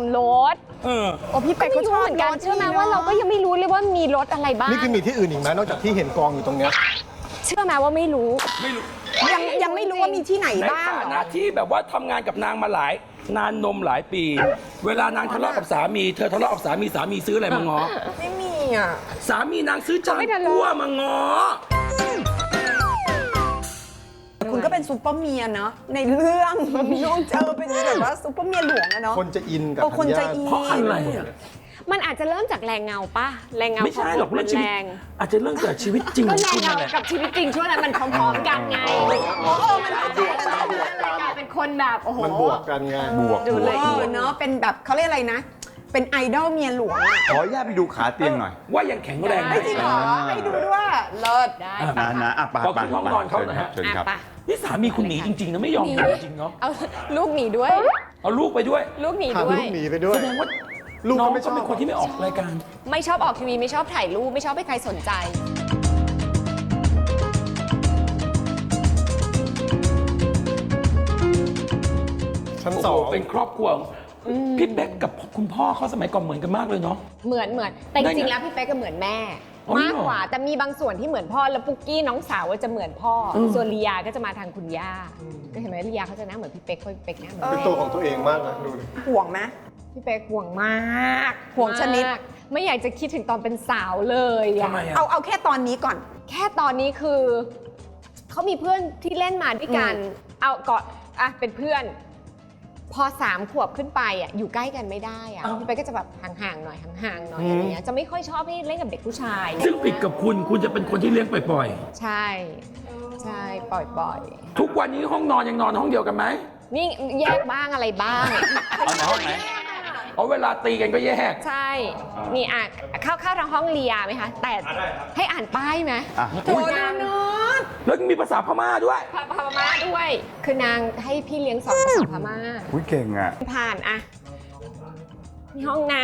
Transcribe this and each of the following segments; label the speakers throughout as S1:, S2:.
S1: มรส
S2: โอ้พี่เป็กก็ชอบเหมือนกัน
S1: เชื่อไหมว่าเราก็ยังไม่รู้เลยว่ามีรสอะไรบ้าง
S3: นี่คือมีที่อื่นอีกไหมนอกจากที่เห็นกองอยู่ตรงเนี้ย
S1: เชื่อไหมว่าไม่รู้
S2: ยังไม่รู้ว่ามีที่ไหน
S4: ใน
S2: บ้าง
S4: ฐา
S2: เหร
S4: นะ
S2: อ
S4: ที่แบบว่าทำงานกับนางมานานนมหลายปี เวลานางทะเลาะกับสามีเธอทะเลาะกับสามีซื้ออะไรมาง้อ
S2: ไม่มีอ่ะ
S4: สามีนางซื้อจานกั้วมาง้อ
S2: คุณก็เป็นซูเปอร์เมียเนาะในเรื่องน้องเจอเป็นแบบว่าซูเปอร์เมียหลวงอะเนาะ
S3: คนจะอินกับ
S2: คน
S3: ธัญ
S2: จะ
S3: ญา
S2: อิน
S4: เพราะอะไรอ่ะ
S1: มันอาจจะเริ่มจากแรงเงาป่ะแรงเงา
S4: ไม่ใช่หรอกเรื่องชีวิต
S1: แรง
S4: อาจจะเรื่องจากชีวิตจริงข
S1: ก็
S4: อง
S1: แรง
S4: คุณ
S1: เงา
S4: นั่นแหละ
S1: กับชีวิตจริงช่วงนั้นมันพร้อมๆกันไง
S2: มันเข้าใจกัน
S1: กลายเป็นคนแบบโอ้โห
S3: มันบวกกันไง
S5: บวก
S1: ดูเลย
S2: เนาะเป็นแบบเขาเรียกอะไรนะ เป็นไอดอลเมียหลวงอะ
S5: ขออนุญาตไปดูขาเตียงหน่อย
S4: ว่ายังแข็งแรงไหม
S2: ไม่จริงเหรอให้ดูด้วยเลิศ
S1: ได้
S5: นะอ่ะไป
S4: ขอบคุณห้องนอนเขาหน่อยฮะ
S5: เชิญครับ
S1: อ่ะ
S4: นี่สามีคุณหนีจริงๆนะไม่ยอมอยู่จริงเนาะ
S1: เอาลูกหนีด้วย
S4: เอาลูกไปด้วย
S1: ลูกหนี
S3: พา
S1: ด้ว
S3: ลู
S1: ย
S3: กหนีไปด้วย
S4: แสดงว่า
S3: ลูก
S4: น้อง
S3: ก็ไม่ช
S4: เขา
S3: อบ
S4: เป็นคนที่ไม่ออกรายการ
S1: ไม่ชอบออกทีวีไม่ชอบถ่ายรูปไม่ชอบให้ใครสนใจ
S3: ชั้น
S4: โอ้
S3: สอ
S4: โห
S3: ง
S4: เป็นครอบครัวพี่เป๊กกับคุณพ่อเขาสมัยก่อนเหมือนกันมากเลยเนาะ
S1: เหมือนแต่จ
S4: ได้
S1: ริง
S4: ไง
S1: ๆแล้วพี่เป๊กก็เหมือนแม่
S4: อ๋อ
S1: มากกว่าแต่มีบางส่วนที่เหมือนพ่อแล้วปุ๊กกี้น้องสาวจะเหมือนพ่ออส่วนลียาก็จะมาทางคุณย่าก็เห็นไหมลียาเขาจะหน้าเหมือนพี่เป๊กเพราะพี่เป๊กหน้าเหมือน
S3: เป็นตัวของตัวเองมากนะดูดิ
S2: ห่วงไหม
S1: พี่เป๊กห่วงมาก
S2: ห่วงชนิด
S1: มากไม่อยากจะคิดถึงตอนเป็นสาวเลยอะ
S4: ทำไมอ่ะ
S2: เอาแค่ตอนนี้ก่อน
S1: แค่ตอนนี้คือเขามีเพื่อนที่เล่นมาด้วยกันเอาก่อนอ่ะเป็นเพื่อน พอ3 ขวบขึ้นไปอ่ะอยู่ใกล้กันไม่ได้อ่ะ
S4: อ้าว
S1: พี่เป๊กก็จะแบบห่างๆหน่อยห่างๆหน่อยอะไรเงี้ยจะไม่ค่อยชอบให้เล่นกับเด็กผู้ชาย
S4: ซึ่งผิดกับคุณจะเป็นคนที่เลี้ยงปล่อย
S1: ใช่ใช่ปล่อย
S4: ๆ ทุกวันนี้ห้องนอนยังนอนห้องเดียวกันไหม
S1: ๆนี่แยกบ้างอะไรบ้าง
S5: เอาในห้องไหน
S4: เอาเวลาตีกันก็แยก
S1: ใช่นี่อ่ะเข้าทางห้องเรียไหมคะแต่ให้อ่านป้ายไหม
S5: อ่ะ
S2: โอ้ยนอน
S4: แล้วมีภาษาพม่าด้วย
S1: พม่าด้วย คือนางให้พี่เลี้ยงสอนภาษาพม่า
S5: อุ้ยเก่งอ่ะ
S1: ผ่านอะนี่ห้องนาง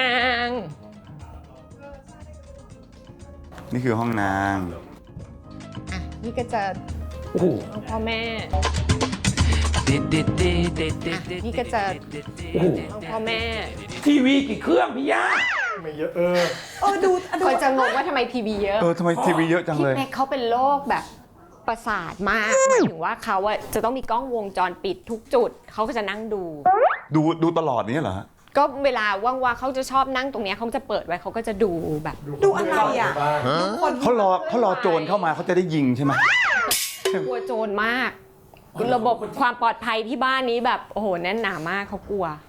S5: นี่คือห้องนาง
S1: อ่ะนี่ก็จะ
S4: โอ้โห
S1: ห้องพ่อแม่นี่ก็จะ
S4: โอ้โห
S1: ห้องพ่อแม่
S4: ทีวีกี่เครื่องพี่ย่า
S3: ไม่เยอะ
S2: ดู
S1: คนจะงงว่าทำไมทีวีเยอะ
S5: ทำไมทีวีเยอะจัง
S1: พี่
S5: เลย
S1: เป๊กเขาเป็นโรคแบบประสาทมากหมายถึงว่าเขาอะจะต้องมีกล้องวงจรปิดทุกจุดเขาก็จะนั่งดู
S5: ดูตลอดนี้เหรอฮะ
S1: ก็เวลาว่างๆเขาจะชอบนั่งตรงเนี้ยเขาจะเปิดไว้เขาก็จะดูแบบ
S2: ดูอะไรอ่ะ
S5: เขารอโจรเข้ามาเขาจะได้ยิงใช่ไหม
S1: กลัวโจรมาก ระบบความปลอดภัยที่บ้านนี้แบบโอ้โหแน่นหนามากเขากลัว